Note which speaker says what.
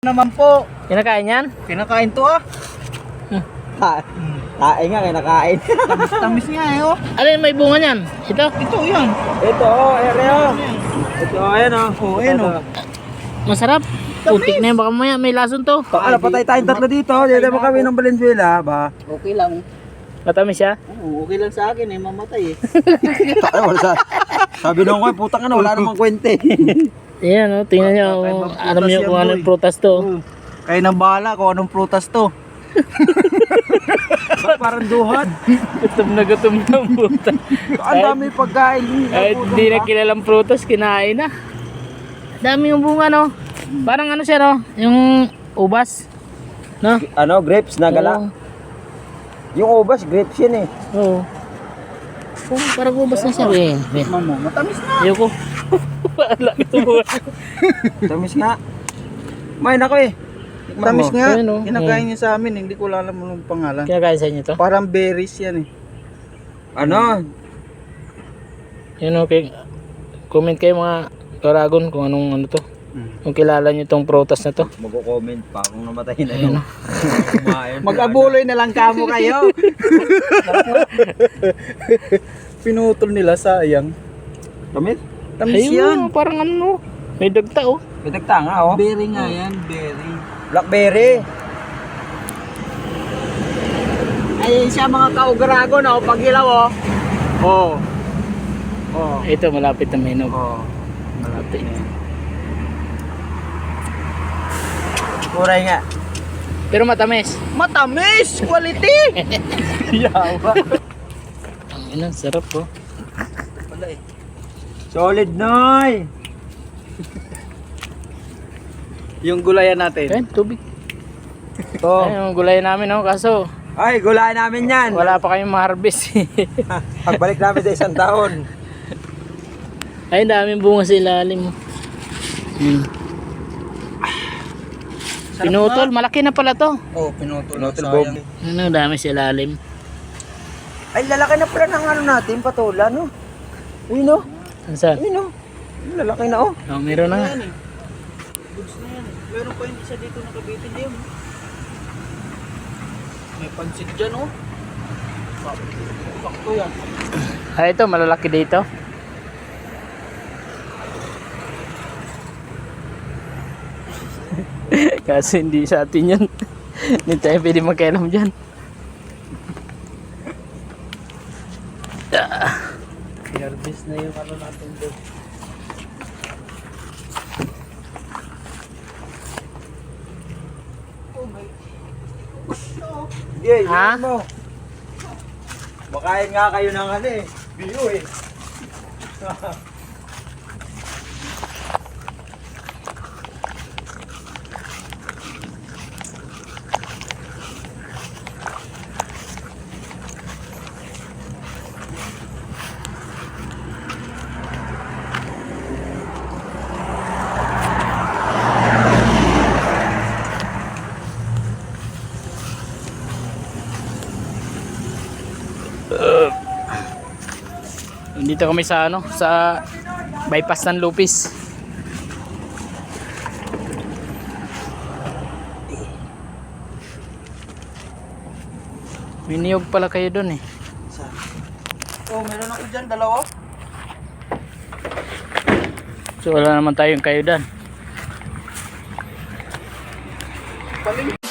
Speaker 1: Naman po.
Speaker 2: Kinakain yan?
Speaker 1: Kinakain to ah.
Speaker 3: Kain nga, kinakain.
Speaker 1: Tamis nga eh oh.
Speaker 2: Alin may bunga niyan? Ito?
Speaker 1: Ito yan.
Speaker 3: Ito, ere oh. Ito, ayan oh.
Speaker 1: Oh, ayan oh.
Speaker 2: Masarap. Putik na yun. Baka mamaya may lason to.
Speaker 3: Ano, patay tayong tatlo dito. Dito mo kami ng Valenzuela, ba?
Speaker 1: Okay lang.
Speaker 2: Matamis siya?
Speaker 1: Oo, okay lang sa akin eh. Mamatay eh.
Speaker 3: Sabi nung ko, putang ano, wala namang kwente.
Speaker 2: Ayan o, tingnan nyo. Alam nyo kung anong prutas to.
Speaker 1: Kayo nang bahala kung anong prutas to.
Speaker 3: Parang duhat.
Speaker 2: Gutom na prutas.
Speaker 3: Ang dami pagkain.
Speaker 2: Kahit hindi na kilalang prutas, kinain na. Dami yung bunga no. Parang ano siya no, yung ubas. No?
Speaker 3: Ano, grapes na gala.
Speaker 2: Oo.
Speaker 3: Yung ubas, grapes yun eh.
Speaker 2: Oo. Parang ubas na siya.
Speaker 1: Mamo, matamis na.
Speaker 2: Ayoko. Wala ito mo.
Speaker 3: Tamis nga. Main ako eh. Tikman
Speaker 1: Tamis
Speaker 3: mo.
Speaker 1: nga.
Speaker 2: Ayan, oh.
Speaker 1: Kinakain niya sa amin. Hindi ko alam yung pangalan.
Speaker 2: Kinakain sa inyo to?
Speaker 1: Parang berries yan eh.
Speaker 3: Ano?
Speaker 2: Yun okay. Comment kayo mga Karagon kung anong ano to. Kung kilala nyo tong prutas na to.
Speaker 3: Magko-comment pa kung namatay na yun.
Speaker 1: Mag-abuloy na lang kamo kayo. Pinutol nila sayang.
Speaker 3: Tamis?
Speaker 1: Tamis yan.
Speaker 2: Ayun, parang ano. May dagta oh.
Speaker 3: May tagta nga oh.
Speaker 1: Berry nga yan, berry.
Speaker 3: Blackberry.
Speaker 1: Ayun siya mga kaugarago na pag ilaw oh. Oh. Oh.
Speaker 2: Ito malapit na may nog.
Speaker 1: Oh.
Speaker 2: Malapit.
Speaker 3: Kuray nga.
Speaker 2: Pero matamis.
Speaker 1: Matamis! Quality! Yawa.
Speaker 2: Ang ina, sarap oh.
Speaker 1: Wala eh.
Speaker 3: Solid noy.
Speaker 1: Yung gulayan natin.
Speaker 2: Ayan, tubig.
Speaker 3: Oh.
Speaker 2: Ayan, yung gulay namin oh. Kaso,
Speaker 3: Ay, gulayan namin yan.
Speaker 2: wala pa kayong ma-harvest.
Speaker 3: Pagbalik namin sa isang taon.
Speaker 2: Ay, daming bunga sa ilalim. Pinutol, malaki na pala to.
Speaker 1: Oh, pinutol na
Speaker 3: Pinutol,
Speaker 1: sayang.
Speaker 2: Ano, dami sa ilalim.
Speaker 3: Ay, lalaki na pala ng ano natin, patola, no? Ayun, no?
Speaker 2: Ano sa?
Speaker 3: Ayun, no? Lalaki na, oh.
Speaker 2: Oh, meron na nga.
Speaker 1: Yan eh. Goods na yan eh. Meron pa yung isa dito nakabitin din. May pansit dyan oh. Sakto yan.
Speaker 2: Ay, ito, malalaki dito. Kasi hindi sa atin yan. Hindi tayo pwede magkailam dyan.
Speaker 1: I-harvest na yung ano natin doon.
Speaker 3: Yeah,
Speaker 2: Ha?
Speaker 3: yun mo. Makain nga kayo ng ano eh. Biyo eh.
Speaker 2: Dito kami sa ano, sa bypass ng Lupis. May niyog pala kayo doon eh.
Speaker 1: Oh, meron ako dyan, dalawa.
Speaker 2: So wala naman tayong kayo doon.
Speaker 1: Paling